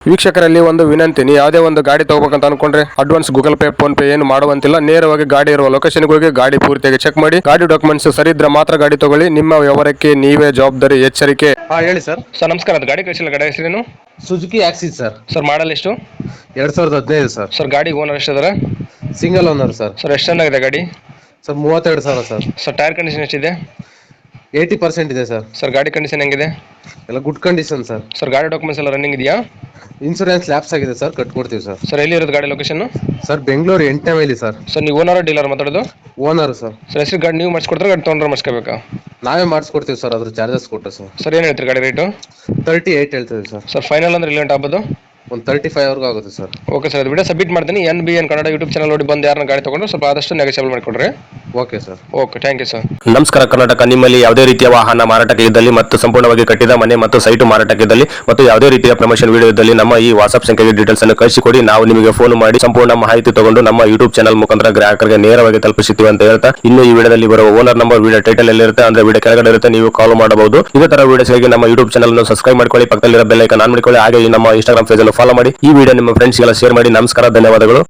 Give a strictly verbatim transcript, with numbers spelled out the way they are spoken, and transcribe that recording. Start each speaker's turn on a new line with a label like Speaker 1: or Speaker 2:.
Speaker 1: ವೀಕ್ಷಕರಲ್ಲಿ ಒಂದು ವಿನಂತಿ, ನೀವು ಯಾವುದೇ ಒಂದು ಗಾಡಿ ತಗೋಬೇಕಂತ ಅನ್ಕೊಂಡ್ರೆ advance Google Pay PhonePe ಏನು ಮಾಡುವಂತಿಲ್ಲ. ನೇರವಾಗಿ ಗಾಡಿ ಇರುವ ಲೊಕೇಶನ್ಗೆ ಹೋಗಿ ಗಾಡಿ ಪೂರ್ತಿಯಾಗಿ ಚೆಕ್ ಮಾಡಿ, ಗಾಡಿ ಡಾಕ್ಯುಮೆಂಟ್ಸ್ ಸರಿ ಇದ್ರೆ ಮಾತ್ರ ಗಾಡಿ ತಗೊಳ್ಳಿ. ನಿಮ್ಮ ವ್ಯವಹಾರಕ್ಕೆ ನೀವೇ ಜವಾಬ್ದಾರಿ. ಎಚ್ಚರಿಕೆ.
Speaker 2: ಹಾ ಹೇಳಿ ಸರ್.
Speaker 1: ಸರ್ ನಮಸ್ಕಾರ, ಅದು ಗಾಡಿ ಕಳಿಸಿಲ್ಲ, ಗಾಡಿ ಹೆಸರೇನು?
Speaker 2: Suzuki Access sir.
Speaker 1: Sir model ಎಷ್ಟು?
Speaker 2: ಎರಡ್ ಸಾವಿರದ ಹದಿನೈದು ಸರ್.
Speaker 1: ಸರ್ ಗಾಡಿ ಓನರ್ ಎಷ್ಟಿದ್ದಾರೆ?
Speaker 2: Single owner sir.
Speaker 1: ಸರ್ ಎಷ್ಟು ಚೆನ್ನಾಗಿದೆ ಗಾಡಿ?
Speaker 2: ಸರ್ ಮೂವತ್ತೆರಡು ಸಾವಿರ ಸರ್.
Speaker 1: ಸರ್ ಟೈರ್ ಕಂಡೀಷನ್ ಎಷ್ಟಿದೆ?
Speaker 2: ಏಯ್ಟಿ ಪರ್ಸೆಂಟ್ ಇದೆ ಸರ್.
Speaker 1: ಸರ್ ಗಾಡಿ ಕಂಡೀಷನ್ ಹೆಂಗಿದೆ?
Speaker 2: ಎಲ್ಲ ಗುಡ್ ಕಂಡೀಷನ್ ಸರ್.
Speaker 1: ಸರ್ ಗಾಡಿ ಡಾಕ್ಯುಮೆಂಟ್ಸ್ ಎಲ್ಲ ರನ್ನಿಂಗ್ ಇದೆಯಾ?
Speaker 2: ಇನ್ಸೂರೆನ್ಸ್ ಲ್ಯಾಪ್ಸ್ ಆಗಿದೆ ಸರ್, ಕಟ್ಕೊಡ್ತೀವಿ ಸರ್.
Speaker 1: ಸರ್ ಎಲ್ಲಿ ಇರೋದು ಗಾಡಿ ಲೊಕೇಶನ್?
Speaker 2: ಸರ್ ಬೆಂಗಳೂರು ಎಂಟನೇ ಮೈಲಿ ಸರ್.
Speaker 1: ಸರ್ ನೀವು ಓನರ್ ಡೀಲರ್ ಮಾತಾಡೋದು?
Speaker 2: Owner sir.
Speaker 1: ಸರ್ ಹೆಸರು ಗಾಡಿ ನೀವು ಮಾಡಿಸ್ಕೊಡ್ತಾರೆ, ಗಾಡಿ ತೊಗೊಂಡ್ರೆ ಮಾಡಿಸ್ಕೋಬೇಕಾ?
Speaker 2: ನಾವೇ ಮಾಡಿಸ್ಕೊಡ್ತೀವಿ ಸರ್, ಅದ್ರ ಚಾರ್ಜಸ್ ಕೊಟ್ಟು ಸರ್.
Speaker 1: ಸರ್ ಏನು ಹೇಳ್ತೀರಿ ಗಾಡಿ ರೇಟು?
Speaker 2: ತರ್ಟಿ ಏಯ್ಟ್ ಹೇಳ್ತೀವಿ ಸರ್.
Speaker 1: ಸರ್ ಫೈನಲ್ ಅಂದ್ರೆ ರಿಲೆಂಟ್ ಆಗ್ಬೋದು?
Speaker 2: ಒಂದು ತರ್ಟಿ ಫೈವ್ ವರ್ಗೂ ಆಗುತ್ತೆ ಸರ್.
Speaker 1: ಓಕೆ ಸರ್, ಅದು ವಿಡಿಯೋ ಸಬ್ಮಿಟ್ ಮಾಡ್ತೀನಿ. N B N Kannada YouTube channel ನೋಡಿ ಬಂದು ಯಾರನ್ನ ಗಾಡಿ ತಗೊಂಡು ಸ್ವಲ್ಪ ಆದಷ್ಟು ನೆಗೋಷಿಯಬಲ್ ಮಾಡಿಕೊಡ್ರಿ.
Speaker 2: Okay sir.
Speaker 1: Okay, thank you sir.
Speaker 3: ನಮಸ್ಕಾರ ಕರ್ನಾಟಕ. ನಿಮ್ಮಲ್ಲಿ ಯಾವುದೇ ರೀತಿಯ ವಾಹನ ಮಾರಾಟಕ್ಕೆ ಇದ್ದಲ್ಲಿ ಮತ್ತು ಸಂಪೂರ್ಣವಾಗಿ ಕಟ್ಟಿದ ಮನೆ ಮತ್ತು ಸೈಟು ಮಾರಾಟಕ್ಕೆ ಇದ್ದಲ್ಲಿ ಮತ್ತು ಯಾವುದೇ ರೀತಿಯ ಪ್ರಮೋಷನ್ ವಿಡಿಯೋ ಇದ್ದಲ್ಲಿ ನಮ್ಮ ಈ ವಾಟ್ಸ್ಆಪ್ ಸಂಖ್ಯೆಗೆ ಡೀಟೇಲ್ಸ್ ಅನ್ನು ಕಳಿಸಿಕೊಡಿ. ನಾವು ನಿಮಗೆ ಫೋನ್ ಮಾಡಿ ಸಂಪೂರ್ಣ ಮಾಹಿತಿ ತಗೊಂಡು ನಮ್ಮ ಯೂಟ್ಯೂಬ್ ಚಾನಲ್ ಮುಖಾಂತರ ಗ್ರಾಹಕರಿಗೆ ನೇರವಾಗಿ ತಲುಪಿಸುತ್ತೀವಿ ಅಂತ ಹೇಳ್ತಾ, ಇನ್ನು ಈ ವಿಡಿಯೋದಲ್ಲಿ ಬರುವ ಓನರ್ ನಂಬರ್ ವಿಡಿಯೋ ಟೈಟಲ್ ಎಲ್ಲಿರುತ್ತೆ ಅಂದ್ರೆ ವಿಡಿಯೋ ಕೆಳಗಡೆ ಇರುತ್ತೆ, ನೀವು ಕಾಲ್ ಮಾಡಬಹುದು. ಇದೇ ತರ ವಿಡಿಯೋಸ್ಗಾಗಿ ನಮ್ಮ ಯೂಟ್ಯೂಬ್ ಚಾನಲ್ ಅನ್ನು ಸಬ್ಸ್ಕ್ರೈಬ್ ಮಾಡ್ಕೊಳ್ಳಿ, ಪಕ್ಕದಲ್ಲಿರೋ ಬೆಲ್ ಐಕಾನ್ ಆನ್ ಮಾಡಿಕೊಳ್ಳಿ. ಹಾಗೆ ನಮ್ಮ ಇನ್ಸ್ಟಾಗ್ರಾಮ್ ಪೇಜ್ ಅನ್ನು ಫಾಲೋ ಮಾಡಿ. ಈ ವಿಡಿಯೋ ನಿಮ್ಮ ಫ್ರೆಂಡ್ಸ್ಗೆಲ್ಲ ಶೇರ್ ಮಾಡಿ. ನಮಸ್ಕಾರ, ಧನ್ಯವಾದಗಳು.